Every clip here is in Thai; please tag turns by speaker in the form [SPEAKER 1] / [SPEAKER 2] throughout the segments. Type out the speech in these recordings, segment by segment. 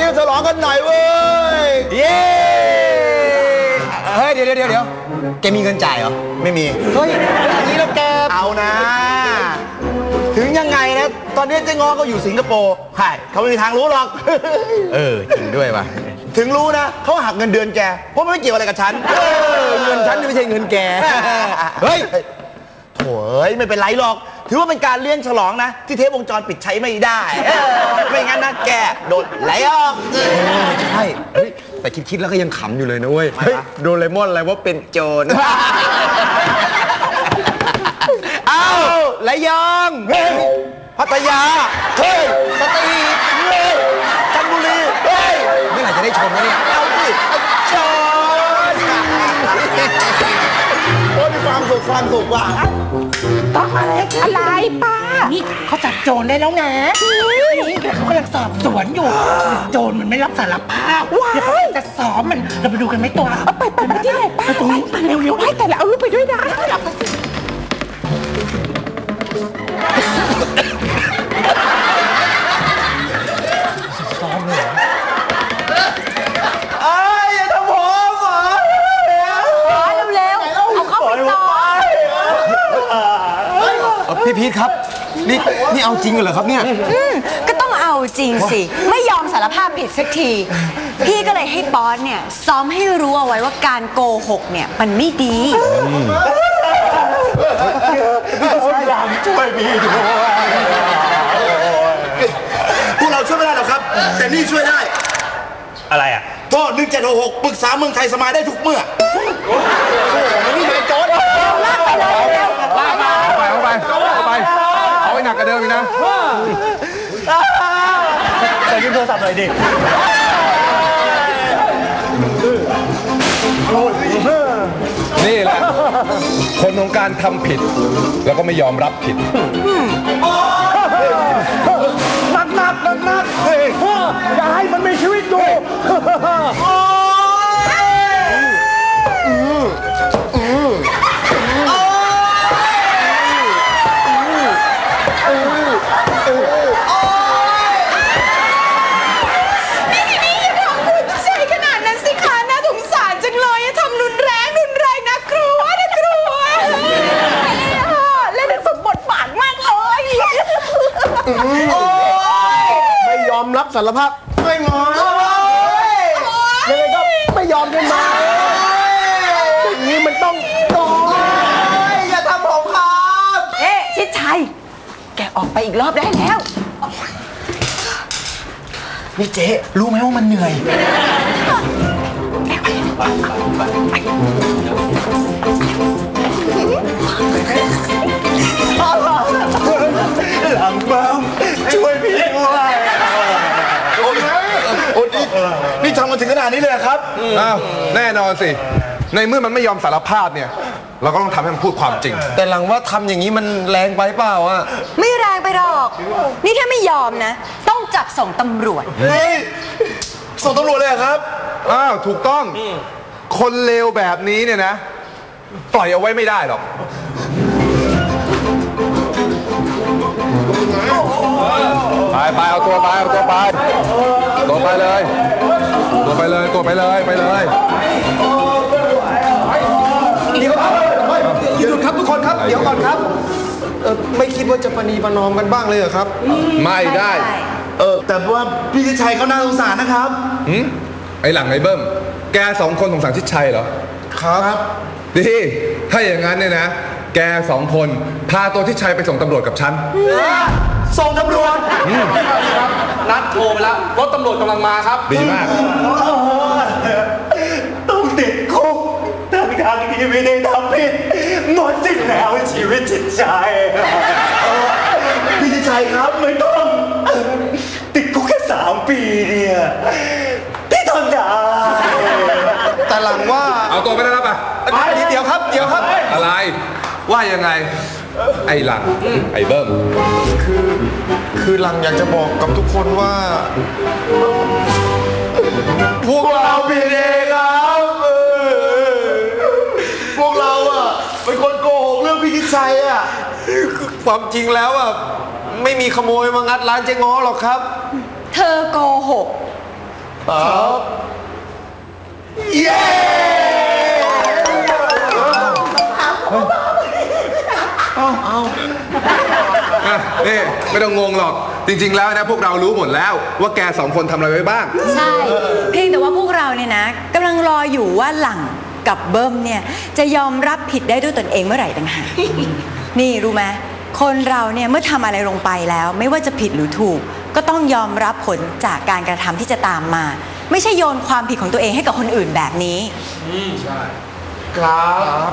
[SPEAKER 1] ยงฉลองกันหน่อยเว้ยเย้เฮ้ยเดี๋ยวแกมีเงินจ่ายเหรอไม่มีเฮ้ยอย่างนี้แล้วแกเอานะถึงยังไงนะตอนนี้เจ๊ง้อก็อยู่สิงคโปร์ใช่เขาไม่มีทางรู้หรอกจริงด้วยว่ะถึงรู้นะเขาหักเงินเดือนแกเพราะมันไม่เกี่ยวอะไรกับฉันเงินฉันไม่ใช่เงินแกเฮ้ยโถ่ไม่เป็นไรหรอกถือว่าเป็นการเลี้ยงฉลองนะที่เทปวงจรปิดใช้ไม่ได้ไม่งั้นนะแกโดนไหลออกใช่แต่คิดแล้วก็ยังขำอยู่เลยนะเว้ยโดเรมอนอะไรว่าเป็นโจรอ้าวระยองพัทยาเฮ้ยสตรีเฮ้ยจันทบุรีเฮ้ยเมื่อไหร่จะได้ชมแล้วเนี่ยเอาสิโจรโอ้ยมีความสุขว่ะ
[SPEAKER 2] ต้องอะไรป้านี่เขาจับโจรได้แล้วนะนี่เขากำลังสอบสวนอยู่โจรมันไม่รับสารภาพเดี๋ยวเขาจะสอบมันเราไปดูกันไหมตัวไปที่ไหนป้าตรงนี้เร็วๆให้แต่ละเอาลูกไปด้วยนะซ้อมเลย
[SPEAKER 1] อย่าทำผม
[SPEAKER 2] เร็วเอาเข้าไปซ้อม
[SPEAKER 1] พี่พีทครับนี่เอาจริงเหรอครับเนี่ย
[SPEAKER 3] ก็ต้องเอาจริงสิไม่ยอมสารภาพผิดสักทีพี่ก็เลยให้บอสเนี่ยซ้อมให้รู้เอาไว้ว่าการโกหกเนี่ยมันไม่ดี
[SPEAKER 1] ช่วยพี่ด้วยพวกเราช่วยไม่ได้หรอกครับแต่นี่ช่วยได้
[SPEAKER 4] อะไรอ่ะ
[SPEAKER 1] โทษ1766ปรึกษาเมืองไทยสมัยได้ทุกเมื่อนี่เป็นโจร
[SPEAKER 2] ลากไปเลย
[SPEAKER 4] เอาไปเอาไปหนักกว่าเดิมอีกนะ
[SPEAKER 1] แต่ยืมโทรศัพท์หน่อยดิ
[SPEAKER 4] นี่แหละคนของการทำผิดแล้วก็ไม่ยอมรับผิด
[SPEAKER 1] หนักอย่าให้มันมีชีวิตอยู่ไม่ยอมรับสารภาพไม่งอยังไงก็ไม่ยอมกันมาอย่างนี้มันต้องโดนอย่าทำผมครับ
[SPEAKER 3] ชิดชัยแกออกไปอีกรอบได้แล้ว
[SPEAKER 1] นี่เจ๊รู้ไหมว่ามันเหนื่อยหลังบ้ามช่วยพี่ด้วยนี่ทำมาถึงขนาดนี้เลยครับ
[SPEAKER 4] อ้าวแน่นอนสิในเมื่อมันไม่ยอมสารภาพเนี่ยเราก็ต้องทำให้มันพูดความจริง
[SPEAKER 1] แต่หลังว่าทำอย่างนี้มันแรงไปเปล่าอ่ะ
[SPEAKER 3] ไม่แรงไปหรอกนี่ถ้าไม่ยอมนะต้องจับส่งตำรวจ
[SPEAKER 1] ส่งตำรวจเลยครับ
[SPEAKER 4] อ้าวถูกต้องคนเลวแบบนี้เนี่ยนะปล่อยเอาไว้ไม่ได้หรอกไปเอาตัวไปเลย
[SPEAKER 1] เดี๋ยวหยุดครับทุกคนครับเดี๋ยวก่อนครับไม่คิดว่าจะประนีประนอมกันบ้างเลยเหรอครับ
[SPEAKER 4] ไม่ได้
[SPEAKER 1] แต่ว่าพี่ชิดชัยเขาน่าสงสารนะครับ
[SPEAKER 4] ไอ้หลังไอ้เบิ้มแกสองคนสงสารชิดชัยเหรอ
[SPEAKER 1] ครับ
[SPEAKER 4] ดีถ้าอย่างนั้นเนี่ยนะแกสองคนพาตัวชิดชัยไปส่งตำรวจกับฉัน
[SPEAKER 1] ส่งตำรวจ
[SPEAKER 5] นัดโทรไปแล้วรถตำรวจกำลังมาครับ
[SPEAKER 4] ดีมาก
[SPEAKER 1] ต้องติดคุกทางที่ไม่ได้ทำผิดหมดสิ้นแล้วชีวิตจิตใจพี่ชิดชัยครับไม่ต้องติดคุกแค่3 ปีเนี่ยพี่ทนได้แต่หลังว่า
[SPEAKER 4] เอาตัวไปได้แล้วป่ะ
[SPEAKER 1] เดี๋ยวครับ
[SPEAKER 4] อะไรว่ายังไงไอ้หลังไอ้เบิ้ม
[SPEAKER 1] คือหลังอยากจะบอกกับทุกคนว่าพวกเราผิดเองครับพวกเราเป็นคนโกหกเรื่องพี่ชิดชัยความจริงแล้วไม่มีขโมยมางัดร้านเจ๊ง้อหรอกครับ
[SPEAKER 3] เธอโกหก
[SPEAKER 1] เย้
[SPEAKER 4] นี่ไม่ต้องงงหรอกจริงๆแล้วนะพวกเรารู้หมดแล้วว่าแก2 คนทำอะไรไว้บ้าง
[SPEAKER 3] ใช่ เพียงแต่ว่าพวกเราเนี่ยนะกำลังรออยู่ว่าหลังกับเบิ้มเนี่ยจะยอมรับผิดได้ด้วยตนเองเมื่อไหร่ต่างหากนี่รู้ไหมคนเราเนี่ยเมื่อทำอะไรลงไปแล้วไม่ว่าจะผิดหรือถูกก็ต้องยอมรับผลจากการกระทำที่จะตามมา ไม่ใช่โยนความผิดของตัวเองให้กับคนอื่นแบบนี้
[SPEAKER 5] ใช่
[SPEAKER 1] ครับ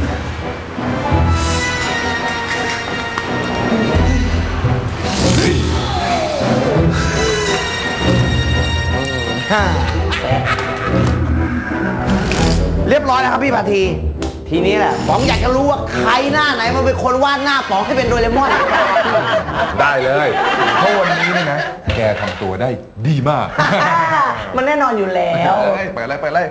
[SPEAKER 1] เรียบร้อยแล้วครับพี่พาทีทีนี้แหละป๋องอยากจะรู้ว่าใครหน้าไหนมันเป็นคนวาดหน้าป๋องให้เป็นโดเรมอน
[SPEAKER 4] ได้เลยเพราะวันนี้เนี่ยนะแกทำตัวได้ดีมาก
[SPEAKER 2] มันแน่นอนอยู่แล้ว
[SPEAKER 4] ไปเลย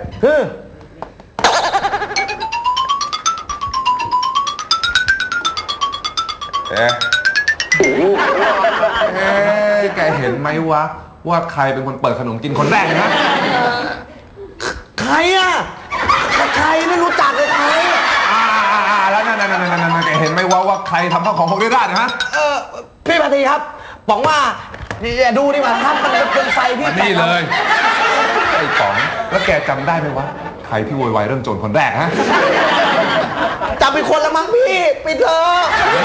[SPEAKER 4] แกเห็นไหมวะว่าใครเป็นคนเปิดขนมกินคนแรกนะ
[SPEAKER 1] ใครอ่ะใครไม่รู้จักเลยใคร
[SPEAKER 4] แล้วนั่นแกเห็นไหมว่าใครทำข้าวของพวกนี้ได้นะฮะ
[SPEAKER 1] พี่พาทีครับป๋องว่าอย่าดูดีกว่าครับมันเป็นไฟที่
[SPEAKER 4] นี่เลยไอ้ป๋องแล้วแกจำได้ไหมวะใครที่โวยวายเรื่องโจรคนแรกฮะ
[SPEAKER 1] จำเป็นคนละมั้งพี่ปิดเถอะ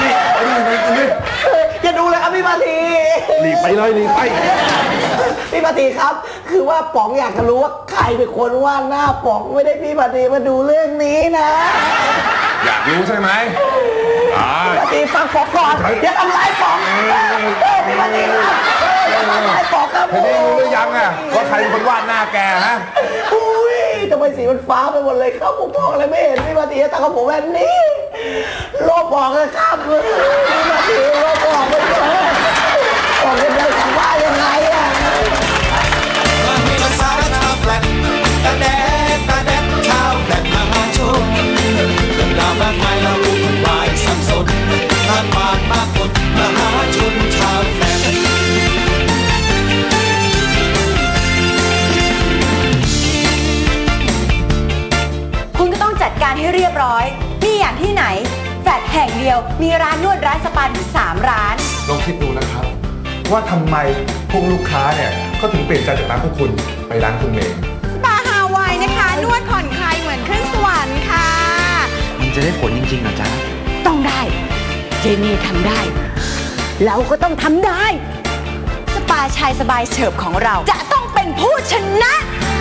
[SPEAKER 1] อย่าดูเลยครับพี่พาที
[SPEAKER 4] หลีกไปเลยหลีกไป
[SPEAKER 1] พี่พาทีครับคือว่าป๋องอยากจะรู้ว่าใครเป็นคนวาดหน้าป๋องไม่ได้พี่พาทีมาดูเรื่องนี้นะ
[SPEAKER 4] อยากรู้ใช่ไหม
[SPEAKER 1] พี่พาทีฟังป๋องก่อนอย่าทำร้ายป๋องพี่พาทีครับอย่าทำร้ายป๋องครับ
[SPEAKER 4] เธอได้รู้หรือยังอะว่าใครเป็นคนวาดหน้าแกฮะ
[SPEAKER 1] อุ้ยทำไมสีมันฟ้าไปหมดเลยครับผมมองอะไรไม่เห็นพี่พาทีตากับผมแบบนี้โลบออกเลยครับพี่พาทีโลบออกไปเลยออกกันได้คำว่ายังไงอะ
[SPEAKER 6] ตาแดดชาวแฟลตมหาชนเรื่องราวมากมายเราวุ่นวายสับสนทางผ่านมากกดมหาชนชาวแฟลต
[SPEAKER 3] คุณก็ต้องจัดการให้เรียบร้อยนี่อย่างที่ไหนแฟลตแห่งเดียวมีร้านนวดร้านสปาถึง3 ร้าน
[SPEAKER 4] ลองคิดดูนะครับว่าทำไมพวกลูกค้าเนี่ยเขาถึงเปลี่ยนใจจากร้านพวกคุณไปร้านคุณเมย์
[SPEAKER 3] สปาฮาวายนะคะนวดผ่อนคลายเหมือนขึ้นสวรรค์ค่ะ
[SPEAKER 1] มันจะได้ผลจริงๆเหรอจ๊ะ
[SPEAKER 3] ต้องได้เจนี่ทำได้เราก็ต้องทำได้สปาชายสบายเฉิบของเราจะต้องเป็นผู้ชนะ